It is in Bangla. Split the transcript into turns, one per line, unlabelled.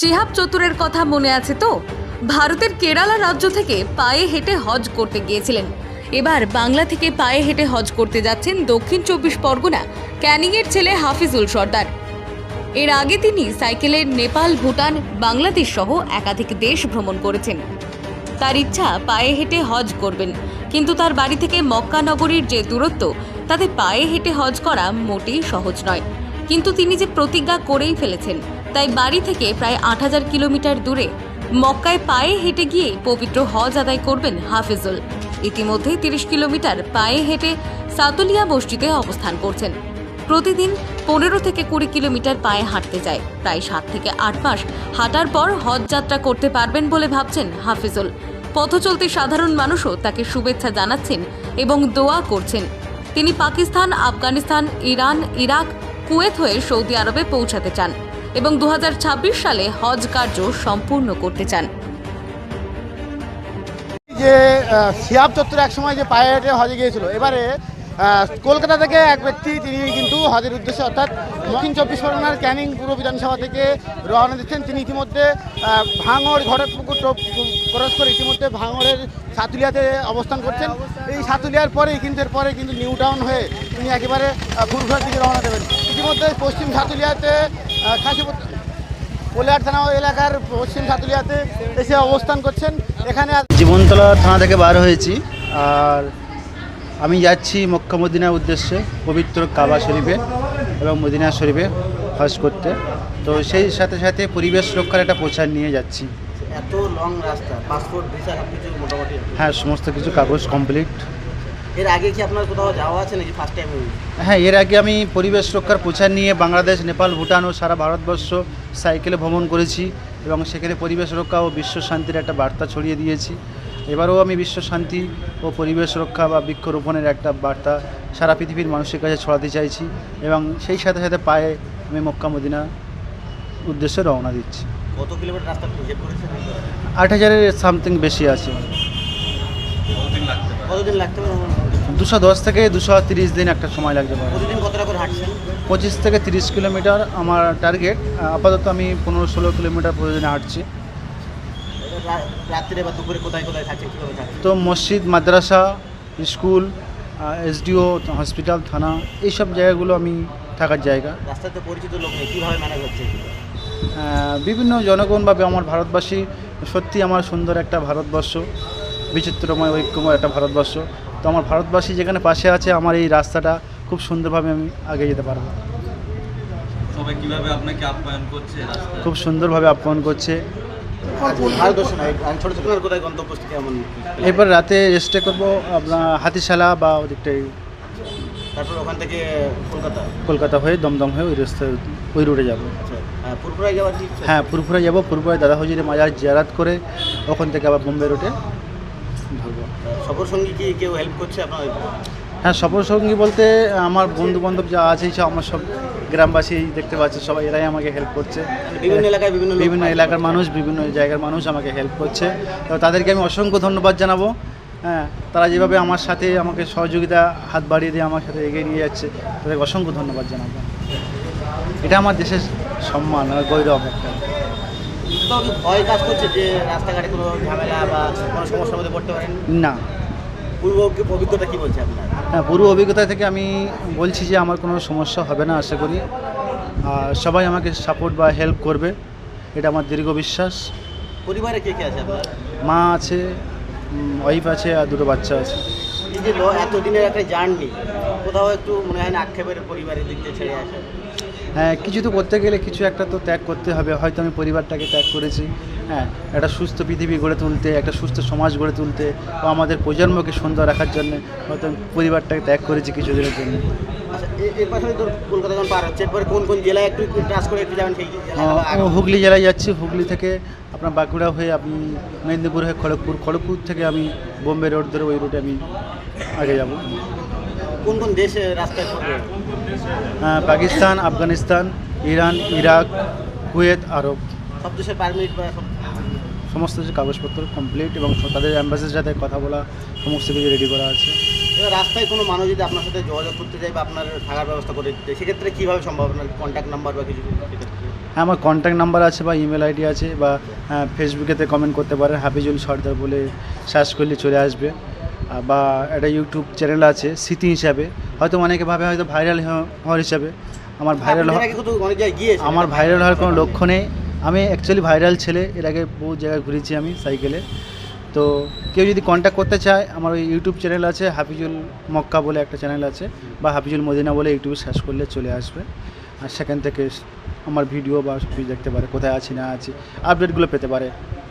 শিহাব চতুরের কথা মনে আছে তো? ভারতের কেরালা রাজ্য থেকে পায়ে হেঁটে হজ করতে গিয়েছিলেন। এবার বাংলা থেকে পায়ে হেঁটে হজ করতে যাচ্ছেন দক্ষিণ 24 পরগনা ক্যানিংয়ের ছেলে হাফিজুল সর্দার। এর আগে তিনি সাইকেলে নেপাল, ভুটান, বাংলাদেশ সহ একাধিক দেশ ভ্রমণ করেছেন। তার ইচ্ছা পায়ে হেঁটে হজ করবেন, কিন্তু তার বাড়ি থেকে মক্কা নগরীর যে দূরত্ব, তাতে পায়ে হেঁটে হজ করা মোটেই সহজ নয়। কিন্তু তিনি যে প্রতিজ্ঞা করেই ফেলেছেন, তাই বাড়ি থেকে প্রায় ৮,০০০ কিলোমিটার দূরে মক্কায় পায়ে হেঁটে গিয়ে পবিত্র হজ আদায় করবেন হাফিজুল। ইতিমধ্যেই ৩০ কিলোমিটার পায়ে হেঁটে সাতুলিয়া বস্তিতে অবস্থান করছেন। প্রতিদিন ১৫ থেকে ২০ কিলোমিটার পায়ে হাঁটতে যায়। প্রায় ৭ থেকে ৮ মাস হাঁটার পর হজ যাত্রা করতে পারবেন বলে ভাবছেন হাফিজুল। পথচলতি সাধারণ মানুষও তাকে শুভেচ্ছা জানাচ্ছেন এবং দোয়া করছেন। তিনি Pakistan, Afghanistan, Iran, Iraq, Kuwait হয়ে সৌদি আরবে পৌঁছাতে চান এবং ২০২৬ সালে হজ কার্য সম্পূর্ণ করতে চান।
যে শিহাব চত্বর এক সময় যে পায়ে হেঁটে হজে গিয়েছিল, এবারে কলকাতা থেকে এক ব্যক্তি তিনি কিন্তু হজের উদ্দেশ্যে অর্থাৎ দক্ষিণ ২৪ পরগনার ক্যানিং পূর্ব বিধানসভা থেকে রওনা দিচ্ছেন। তিনি ইতিমধ্যে ভাঙড় ঘরেপুকুর ক্রস করে ইতিমধ্যে ভাঙড়ের সাতুলিয়াতে অবস্থান করছেন। এই সাতুলিয়ার পরেই কিন্তু এরপরে কিন্তু নিউ টাউন হয়ে তিনি একেবারে ফুরফুরার দিকে রওনা দেবেন। ইতিমধ্যে পশ্চিম সাতুলিয়াতে কোলিয়ার থানা এলাকার পশ্চিম সাতুলিয়াতে এসে অবস্থান করছেন। এখানে
জীবনতলা থানা থেকে বার হয়েছি, আর আমি যাচ্ছি মক্কা মদিনার উদ্দেশ্যে, পবিত্র কাবা শরীফে এবং মদিনা শরীফে হজ করতে। তো সেই সাথে সাথে পরিবেশ রক্ষার একটা প্রচার নিয়ে যাচ্ছি।
এত লং রাস্তা, পাসপোর্ট, ভিসা সব কিছু মোটামুটি?
হ্যাঁ, সমস্ত কিছু কাগজ কমপ্লিট।
এর আগে কি আপনার কোথাও যাওয়া আছে নাকি ফার্স্ট টাইম?
হ্যাঁ, এর আগে আমি পরিবেশ রক্ষার প্রচার নিয়ে বাংলাদেশ, নেপাল, ভুটান ও সারা ভারতবর্ষ সাইকেলে ভ্রমণ করেছি এবং সেখানে পরিবেশ রক্ষা ও বিশ্ব শান্তির একটা বার্তা ছড়িয়ে দিয়েছি। এবারেও আমি বিশ্ব শান্তি ও পরিবেশ রক্ষা বা বৃক্ষরোপণের একটা বার্তা সারা পৃথিবীর মানুষের কাছে ছড়াতে চাইছি এবং সেই সাথে সাথে পায়ে আমি মক্কা মদিনা উদ্দেশ্যে রওনা দিচ্ছি।
কত কিলোমিটার রাস্তা হিসেব করেছেন?
৮,০০০-এর সামথিং বেশি আছে।
কতদিন লাগতে পারে?
২১০ থেকে ২৩০ দিন একটা সময় লাগতে পারে।
প্রতিদিন কতটা করে হাঁটছেন?
২৫ থেকে ৩০ কিলোমিটার আমার টার্গেট। আপাতত আমি ১৫-১৬ কিলোমিটার প্রতিদিন হাঁটছি।
রাত্রে বা দুপুরে কোথায় কোথায় থাকছেন, কীভাবে থাকছেন?
তো মসজিদ, মাদ্রাসা, স্কুল, এসডিও, হসপিটাল, থানা, এইসব জায়গাগুলো আমি থাকার জায়গা।
রাস্তাতে পরিচিত লোক নেই, কীভাবে ম্যানেজ হচ্ছে?
বিভিন্ন জনগণ বা আমার ভারতবাসী, সত্যি আমার সুন্দর একটা ভারতবর্ষ, বিচিত্রময় ঐক্যময় একটা ভারতবর্ষ। তো আমার ভারতবাসী যেখানে পাশে আছে, আমার এই রাস্তাটা খুব সুন্দরভাবে আমি আগে যেতে পারবো।
সবাই কীভাবে আপনাকে আপ্যায়ন করছে?
খুব সুন্দরভাবে আপ্যায়ন করছে।
ভারতবর্ষ নয়, ছোটো ছোটো কোথায় গন্তব্যস্থ কেমন?
এরপর রাতে স্টে করবো আপনার হাতিশালা বা ওদিকটাই,
তারপর ওখান থেকে
কলকাতা হয়ে দমদম হয়ে ওই রাস্তায় ওই রুটে যাবো।
আচ্ছা, পুরপুরায় যাওয়ার কি?
হ্যাঁ, পুরপুরায় যাবো। পুরপুরায় দাদা হুজুরের মাজার জিয়ারাত করে ওখান থেকে আবার বোম্বে রুটে ধরবো।
সফর সঙ্গী কি কেউ হেল্প করছে আপনার?
হ্যাঁ, সফর সঙ্গী বলতে আমার বন্ধু বান্ধব যা আছে, সব আমার সব গ্রামবাসী দেখতে পাচ্ছি, সবাই এরাই আমাকে হেল্প করছে।
বিভিন্ন এলাকায়
বিভিন্ন এলাকার মানুষ, বিভিন্ন জায়গার মানুষ আমাকে হেল্প করছে। তো তাদেরকে আমি অসংখ্য ধন্যবাদ জানাবো। হ্যাঁ, তারা যেভাবে আমার সাথে আমাকে সহযোগিতা হাত বাড়িয়ে দিয়ে আমার সাথে এগিয়ে নিয়ে যাচ্ছে, তাদেরকে অসংখ্য ধন্যবাদ জানাবো। এটা আমার দেশের সম্মান আর গৌরব একটা।
তো ভয় কাজ করছে যে রাস্তাঘাটে কোনো ঝামেলা বা কোনো সমস্যার মধ্যে পড়তে পারেন
না।
পূর্ব অভিজ্ঞতা কী বলছে আপনার?
হ্যাঁ, পুরো অভিজ্ঞতা থেকে আমি বলছি যে আমার কোনো সমস্যা হবে না আশা করি। আর সবাই আমাকে সাপোর্ট বা হেল্প করবে, এটা আমার দীর্ঘ বিশ্বাস।
পরিবারে কে কে আছে আপনার?
মা আছে, ওয়াইফ আছে, আর দুটো বাচ্চা আছে।
এই যে এতদিনের একটা জার্নি, কোথাও একটু মনে হয় না আক্ষেপের পরিবারের দিক দিয়ে ছেড়ে আসে?
হ্যাঁ, কিছু তো করতে গেলে কিছু একটা তো ত্যাগ করতে হবে। হয়তো আমি পরিবারটাকে ত্যাগ করেছি, হ্যাঁ, একটা সুস্থ পৃথিবী গড়ে তুলতে, একটা সুস্থ সমাজ গড়ে তুলতে বা আমাদের প্রজন্মকে সুন্দর রাখার জন্য হয়তো আমি পরিবারটাকে ত্যাগ করেছি কিছুদিনের জন্য।
আচ্ছা, এর পাশাপাশি তোর কলকাতা যখন পার হচ্ছে, এরপরে কোন কোন জেলায় একটু টাচ করে একটু যাবেন সেই
হুগলি জেলায় যাচ্ছি। হুগলি থেকে আপনার বাঁকুড়া হয়ে আপনি মেদিনীপুর হয়ে খড়গপুর থেকে আমি বোম্বে রোড ধরে ওই রুটে আমি আগে যাব।
কোন কোন দেশে রাস্তায় পড়বে?
Pakistan, Afghanistan, Iran, Iraq, Kuwait, Arab.
সব দেশের পারমিট বা
সমস্ত কিছু কাগজপত্র কমপ্লিট এবং তাদের অ্যাম্বাসির সাথে কথা বলা সমস্ত কিছু রেডি করা আছে।
এবার রাস্তায় কোনো মানুষ যদি আপনার সাথে যোগাযোগ করতে চায় বা আপনার থাকার ব্যবস্থা করে দিতে, সেক্ষেত্রে কীভাবে সম্ভব? আপনার কন্ট্যাক্ট নাম্বার বা কিছু?
হ্যাঁ, আমার কন্ট্যাক্ট নাম্বার আছে বা ইমেল আইডি আছে, বা ফেসবুকেতে কমেন্ট করতে পারেন, হাফিজুল সর্দার বলে সার্চ করলে চলে আসবে। বা একটা ইউটিউব চ্যানেল আছে স্মৃতি হিসাবে, হয়তো অনেকে ভাবে হয়তো ভাইরাল হওয়ার হিসাবে। আমার ভাইরাল
আপনার আগে কিন্তু অনেক জায়গায় গিয়েছেন।
আমার ভাইরাল হওয়ার কোনো লক্ষ্য নেই। আমি অ্যাকচুয়ালি ভাইরাল ছেলে, এর আগে বহু জায়গায় ঘুরেছি আমি সাইকেলে। তো কেউ যদি কন্ট্যাক্ট করতে চায়, আমার ওই ইউটিউব চ্যানেল আছে, হাফিজুল মক্কা বলে একটা চ্যানেল আছে, বা হাফিজুল মদিনা বলে ইউটিউবে সার্চ করলে চলে আসবে। আর সেখান থেকে আমার ভিডিও বা সব কিছু দেখতে পারে, কোথায় আছি না আছি আপডেটগুলো পেতে পারে।